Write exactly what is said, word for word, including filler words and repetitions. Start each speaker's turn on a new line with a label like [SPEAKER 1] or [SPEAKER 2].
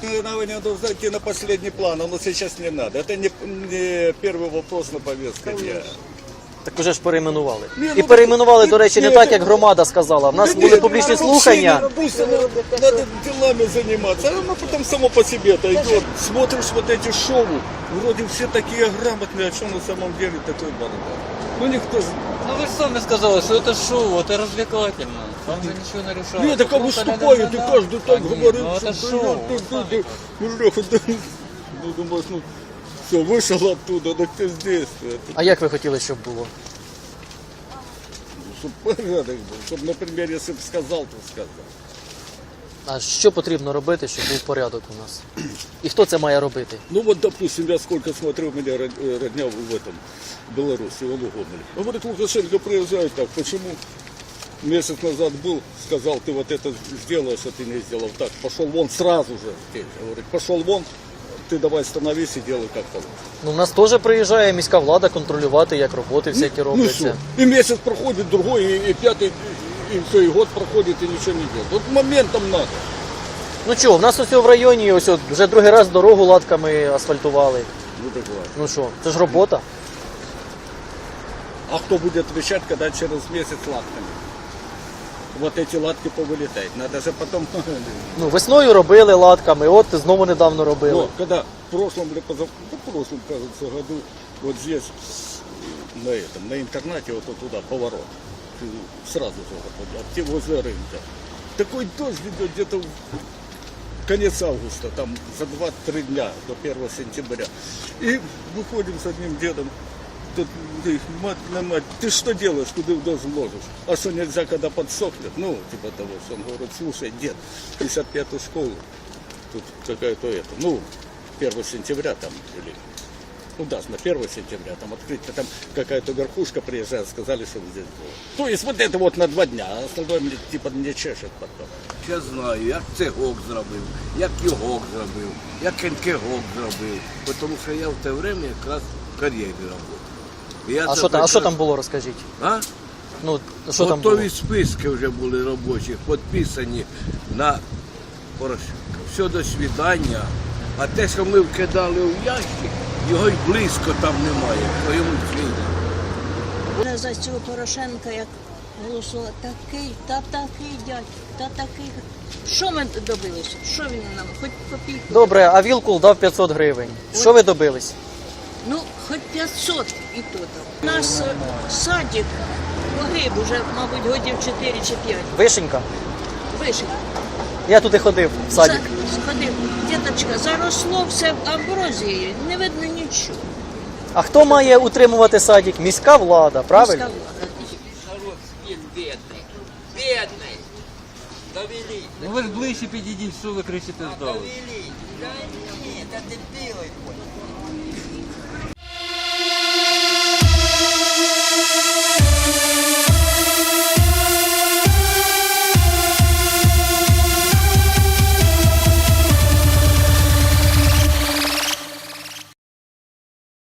[SPEAKER 1] возникновение должно идти на последний план, оно сейчас не надо. Это не, не первый вопрос на повестке дня.
[SPEAKER 2] Так уже ж перейменували.
[SPEAKER 1] Ні,
[SPEAKER 2] І
[SPEAKER 1] ну,
[SPEAKER 2] перейменували,
[SPEAKER 1] ні,
[SPEAKER 2] до речі, не
[SPEAKER 1] ні,
[SPEAKER 2] так,
[SPEAKER 1] ні.
[SPEAKER 2] як громада сказала. В нас
[SPEAKER 1] Да
[SPEAKER 2] були
[SPEAKER 1] нет,
[SPEAKER 2] публічні
[SPEAKER 1] вообще
[SPEAKER 2] слухання.
[SPEAKER 1] не- Пусть оно, надо делами заниматься, а оно потом само по себе-то идет. Смотришь вот эти шоу, вроде все такие грамотные, а что на самом деле такой бардак. Ну никто...
[SPEAKER 3] Ну вы же сами сказали, что это шоу, это развлекательно. Там же ничего не решается.
[SPEAKER 1] Нет, так а
[SPEAKER 3] Просто
[SPEAKER 1] выступают, и
[SPEAKER 3] ля-ля-ля-ля.
[SPEAKER 1] каждый так
[SPEAKER 3] Да нет,
[SPEAKER 1] говорит,
[SPEAKER 3] ну это
[SPEAKER 1] что
[SPEAKER 3] шоу.
[SPEAKER 1] да, да, да, ну, Леха, да, ну, думаешь, ну, все, вышел оттуда, так ты здесь.
[SPEAKER 2] А як ви хотіли, щоб було?
[SPEAKER 1] Чтобы порядок был, чтобы, например, если бы сказал, то сказал.
[SPEAKER 2] А що потрібно робити, щоб був порядок у нас? І хто це має робити?
[SPEAKER 1] Ну вот, допустим, я сколько смотрю, у меня род- э, родня в этом, в Беларуси, в Лугомеле. Он говорит, Лукашенко приезжает так, почему? Месяц назад был, сказал, ты вот это сделаешь, а ты не сделал так. Пошел вон сразу же. Говорит, пошел вон, ты давай становись и делай как положено.
[SPEAKER 2] Ну, у нас теж приїжджає міська влада контролювати, як роботи всякі
[SPEAKER 1] Ну
[SPEAKER 2] робляться.
[SPEAKER 1] что, и месяц проходит, другой, и, и пятый, и, и все, и год проходит, и ничего не делает. Вот моментом надо.
[SPEAKER 2] Ну чого, в нас ось в районі ось от вже другий раз дорогу латками асфальтували.
[SPEAKER 1] Ну так ладно.
[SPEAKER 2] Ну що, це ж робота.
[SPEAKER 1] А кто будет отвечать, когда через месяц латками? Вот эти латки повылетают. Надо же потом...
[SPEAKER 2] Ну, весною робили латками, от знову недавно робили.
[SPEAKER 1] Но когда в прошлом или позав... да, в прошлом, кажется, году вот здесь, на этом, на интернате, вот, вот туда, поворот, сразу же вот, вот, возле рынка. Такой дождь идет где-то в конец августа, там за два-три дня до первого сентября. И выходим с одним дедом. Тут, ты, мать на мать, ты что делаешь, куда в дождь ложишь? А что нельзя, когда подсохнет? Ну, типа того, что он говорит, слушай, дед, пятьдесят пятую школу, тут какая-то это, ну, первого сентября там, или, ну да, на первого сентября там открыть, там какая-то верхушка приезжает, сказали, что здесь было. То есть вот это вот на два дня, а остальное мне, типа не чешет потом.
[SPEAKER 4] Я знаю, як цегок зробив, як йогок зробив, як кенкегок зробив, тому що я в те время якраз в кар'єрі працював. Я
[SPEAKER 2] А
[SPEAKER 4] це
[SPEAKER 2] що там, а що
[SPEAKER 4] прекрасно-
[SPEAKER 2] там було, розкажіть?
[SPEAKER 4] А?
[SPEAKER 2] Ну, що там було?
[SPEAKER 4] Готові списки вже були робочі, підписані на Порошенка. Все, до свидання. А те, що ми вкидали в ящик, його й близько там немає, в твоєму світі.
[SPEAKER 5] За цього Порошенка, як голосувала, такий, та такий дядь, та такий. Що ми добилися? Що він нам? Хоч копійку?
[SPEAKER 2] Добре, а Вілкул дав п'ятсот гривень. Що ви добились?
[SPEAKER 5] Ну, хоч п'ятсот і то там. У нас е, садик погиб уже, мабуть, годів чотири чи п'ять.
[SPEAKER 2] Вишенька?
[SPEAKER 5] Вишив.
[SPEAKER 2] Я туди ходив, в садик.
[SPEAKER 5] За- Сходив. Діточка, заросло все амброзією, не видно нічого.
[SPEAKER 2] А хто має утримувати садик? Міська влада, правильно?
[SPEAKER 5] Міська влада.
[SPEAKER 3] Народ спит бедный. Бедный. Довели. Ну вы же ближе підійдіть, що ви кричите здали?
[SPEAKER 6] Довели. Да нет, это дебилы.